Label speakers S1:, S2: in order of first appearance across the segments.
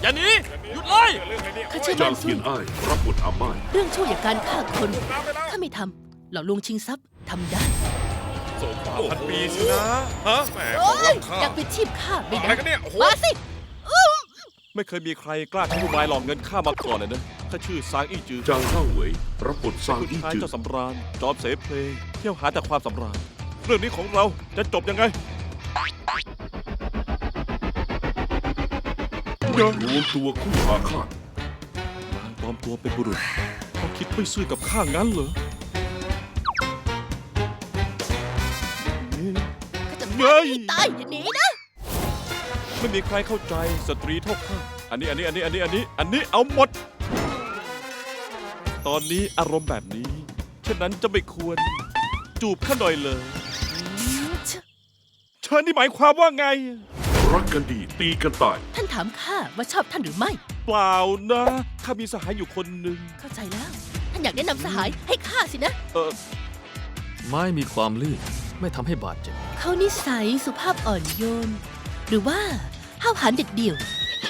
S1: อย่าหนีหยุดเลย
S2: ข้าเชื่อ
S3: จา
S2: มั่
S3: ง
S2: น
S3: เที
S2: สู้
S3: ยนอ้ายรับบทอาม่าย
S2: เรื่องชั่วอย่างการฆ่าคนข้าไม่ทำหลอกลวงชิงทรัพย์ทำได้
S4: สมป่าพันปีสินะฮะแหมข
S2: โอ้
S4: อง
S2: ย
S4: ล้ำค่า
S2: อยากเป็นชีพข้าไม่
S4: อะไร
S2: ได้
S4: กันเนี่ยโอ้โห
S2: มาสิ
S1: ไม่เคยมีใครกล้าใช้อุบายหลอกเงินข้ามาก่อนเลยนะข้าชื่อซางอี้จือ
S3: จางเล่าเหวยรับบทซาง
S1: คุณ
S3: อี้
S1: ชาย
S3: จือ
S1: เจ้าสำราญจอมเสเพลงเที่ยวหาแต่ความสำราญเรื่องนี้ของเราจะจบยังไง
S3: รวมตัวคู่อาฆาต
S1: นางปลอมตัวเป็นบุรุษเขาคิดไม่ซื่อกับข้างั้นเหรอ
S2: ข้าจะฆ่าให้ตายอย่าหนีนะ
S1: ไม่มีใครเข้าใจสตรีเท่าข้าอันนี้เอาหมด ตอนนี้อารมณ์แบบนี้ฉะนั้นจะไม่ควร จูบข้าหน่อยเลยเชิญนี่หมายความว่าไง
S3: รักกันดีตีกันตาย
S2: ท่านถามข้าว่าชอบท่านหรือไม่
S1: เปล่านะข้ามีสหายอยู่คนหนึ่ง
S2: เข้าใจแล้ว ท่านอยากแนะนำสหายให้ข้าสินะ
S5: ไม้มีความลื่นไม่ทำให้บาดเจ็บ
S2: เขานิสัยสุภาพอ่อนโยน หรือว่าห้าวหาญเด็ดเดี่ยว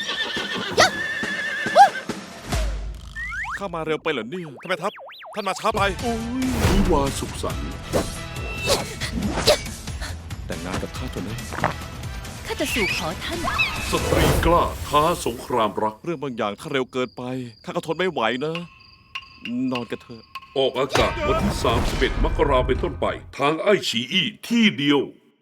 S1: ข้ามาเร็วไปเหรอเนี่ย
S4: ทำไมทัพท่านมาช้าไป
S1: โอ้ย
S3: วิวาห์สุขสันต์
S1: แต่งงานกับข้าเถอะนะ
S2: ข้าจะสู่ขอท่าน
S3: สตรีกล้าท้าสงครามรัก
S1: เรื่องบางอย่างถ้าเร็วเกินไปข้าก็ทนไม่ไหวนะ นอนกันเถอะ
S3: ออกอากาศวันที่31 มกราเป็นต้นไป ทางไอฉีอี้ที่เดียว